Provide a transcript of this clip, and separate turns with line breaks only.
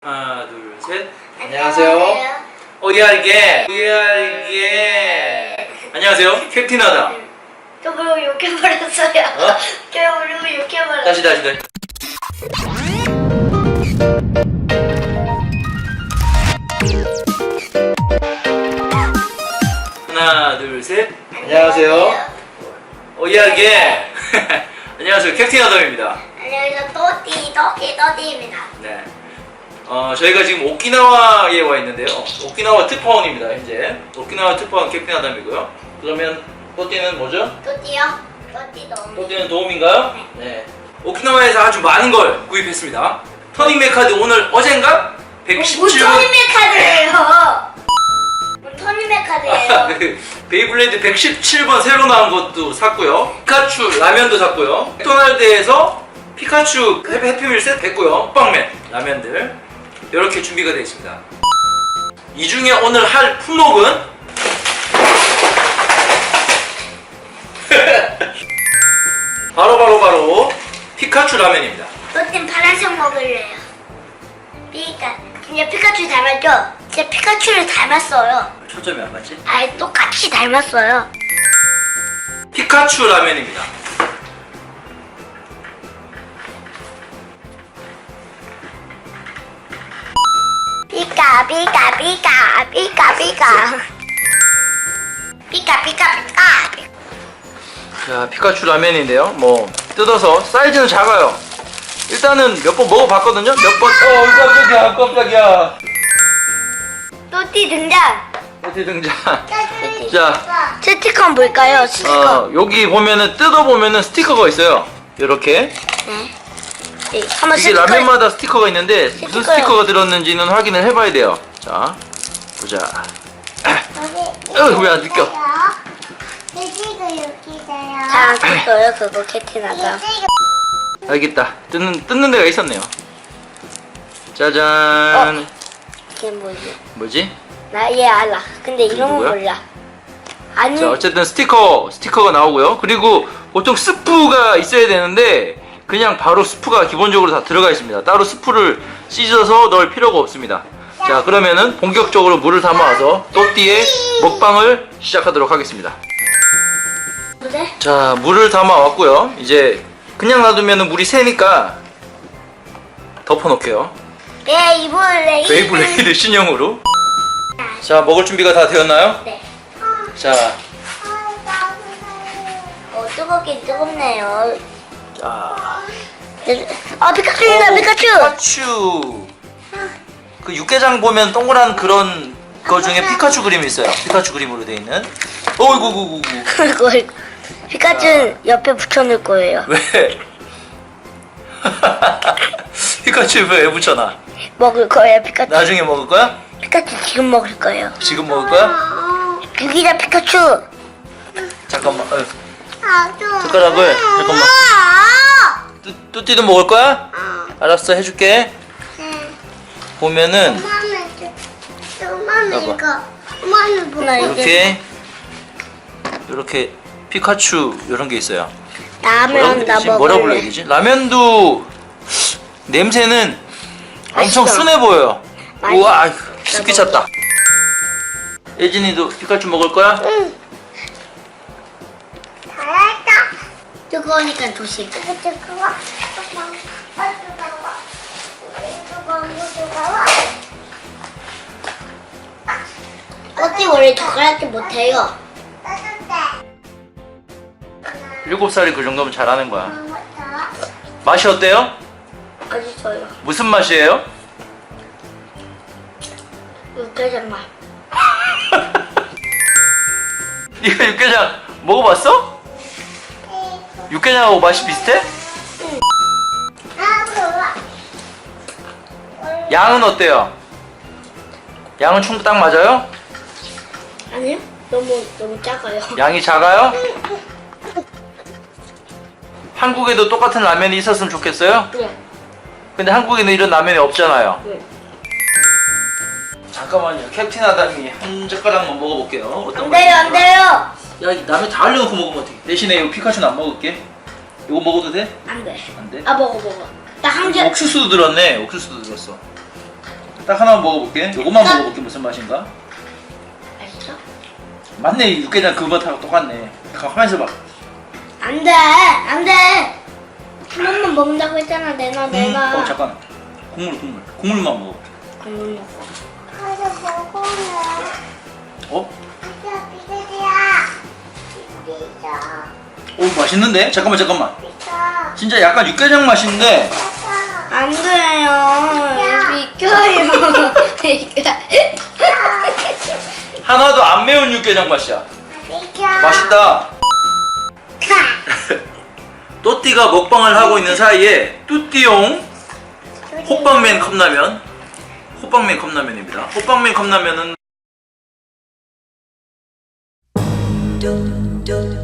하나, 둘, 셋. 안녕하세요. 이게. 안녕하세요. 캡틴하다.
저 그리고 욕해버렸어요.
어?
저 그리고 욕해버렸어요.
다시. 하나, 둘, 셋. 안녕하세요. 이게. 안녕하세요. 캡틴하다입니다.
안녕하세요. 또띠입니다.
네. 저희가 지금 오키나와에 와 있는데요. 오키나와 특파원입니다, 현재. 오키나와 특파원 캡틴하담이고요. 그러면 또띠는 뭐죠?
또띠요? 또띠 너무.
또띠는 도움인가요? 네. 오키나와에서 아주 많은 걸 구입했습니다. 터닝맥 카드 오늘 어젠가? 117번.
뭐 터닝맥 카드예요? 뭐 터닝맥 카드예요?
베이블레이드 117번 새로 나온 것도 샀고요. 피카츄 라면도 샀고요. 맥도날드에서 피카츄 해피밀 세트 했고요. 호빵맨 라면들 이렇게 준비가 되어 있습니다. 이 중에 오늘 할 품목은 바로 피카츄 라면입니다.
또띠는 파란색 먹을래요. 진짜 피카츄 닮았죠? 진짜 피카츄를 닮았어요.
초점이 안 맞지?
아예 똑같이 닮았어요.
피카츄 라면입니다. 피카. 자, 피카츄 라면인데요. 뭐 뜯어서 사이즈는 작아요. 일단은 몇 번 먹어봤거든요. 몇 번. 깜짝이야.
또띠 등장.
어디 등장. 자,
스티커는 뭘까요? 스티커.
여기 보면은 뜯어보면은 스티커가 있어요. 이렇게.
네. 한번
이게
스티커.
라면마다 스티커가 있는데 무슨
스티커요.
스티커가 들었는지는 확인을 해봐야 돼요. 자, 보자. 왜 안 느껴?
잘 뜯어요 그거 캡틴하다.
알겠다. 뜯는 데가 있었네요. 짜잔.
이게 뭐지?
뭐지?
나 얘 알아. 근데 이런 거
누구야?
몰라. 아니.
자, 어쨌든 스티커가 나오고요. 그리고 보통 스프가 있어야 되는데 그냥 바로 스프가 기본적으로 다 들어가 있습니다. 따로 스프를 씻어서 넣을 필요가 없습니다. 자, 그러면은 본격적으로 물을 담아와서 또띠의 먹방을 시작하도록 하겠습니다.
그래?
자, 물을 담아왔고요. 이제 그냥 놔두면 물이 새니까 덮어놓게요.
베이블레이드.
베이블레이드 신형으로. 자, 먹을 준비가 다 되었나요?
네.
자,
뜨겁긴 뜨겁네요.
자.
피카츄입니다. 피카츄.
피카츄. 그 육개장 보면 동그란 그런 거 중에 피카츄 그림이 있어요. 피카츄 그림으로 돼 있는. 어이구.
이거 피카츄 옆에 붙여놓을 거예요.
왜? 피카츄 왜 붙여놔?
먹을 거예요 피카츄.
나중에 먹을 거야?
피카츄 지금 먹을 거예요.
지금 먹을 거야?
유기자 피카츄.
잠깐만. 숟가락을 잠깐만. 뚜띠도 먹을 거야? 알았어, 해줄게. 보면은 이렇게 피카츄 이런 게 있어요.
라면 나
뭐라 불러야
먹을래.
되지? 라면도 냄새는 엄청
맛있어.
순해 보여요.
맛있어.
우와, 습기 찼다. 예진이도 피카츄 먹을 거야?
응. 잘했다. 뜨거우니까 조심. 어찌 원래 젓가락질 못해요.
7살이 그 정도면 잘하는 거야. 맛이 어때요?
맛있어요.
무슨 맛이에요?
육개장 맛.
네가 육개장 먹어봤어? 육개장하고 맛이 비슷해? 양은 어때요? 양은 총 딱 맞아요?
아니요? 너무 작아요.
양이 작아요? 한국에도 똑같은 라면이 있었으면 좋겠어요?
네.
근데 한국에는 이런 라면이 없잖아요.
네.
잠깐만요. 캡틴 아담이 한 젓가락만 먹어볼게요. 어떤
안 돼요, 안 돼요.
야, 이 라면 다 흘려놓고 먹으면 어떡해. 대신에 이 피카츄는 안 먹을게. 이거 먹어도 돼?
안 돼.
안 돼?
아 먹어. 나 한 개.
옥수수도 들었네. 옥수수도 들었어. 딱 하나만 먹어볼게. 요것만 먹어볼게. 무슨 맛인가?
맛있어?
맞네. 육개장 그 맛하고 똑같네. 가만히 있어봐.
안 돼! 안 돼! 한 번만 먹는다고 했잖아, 내가.
잠깐. 국물만 먹어.
국물 먹어.
가서 먹어래.
어?
아빠 비둘기야. 비둘기야.
오, 맛있는데? 잠깐만.
비둘기야.
진짜 약간 육개장 맛인데.
아빠.
안 그래요. 비켜요.
하나도 안 매운 육개장 맛이야.
비켜.
맛있다. 또띠가 먹방을 하고 있는 사이에 뚜띠용 호빵맨 컵라면. 호빵맨 컵라면입니다. 호빵맨 컵라면은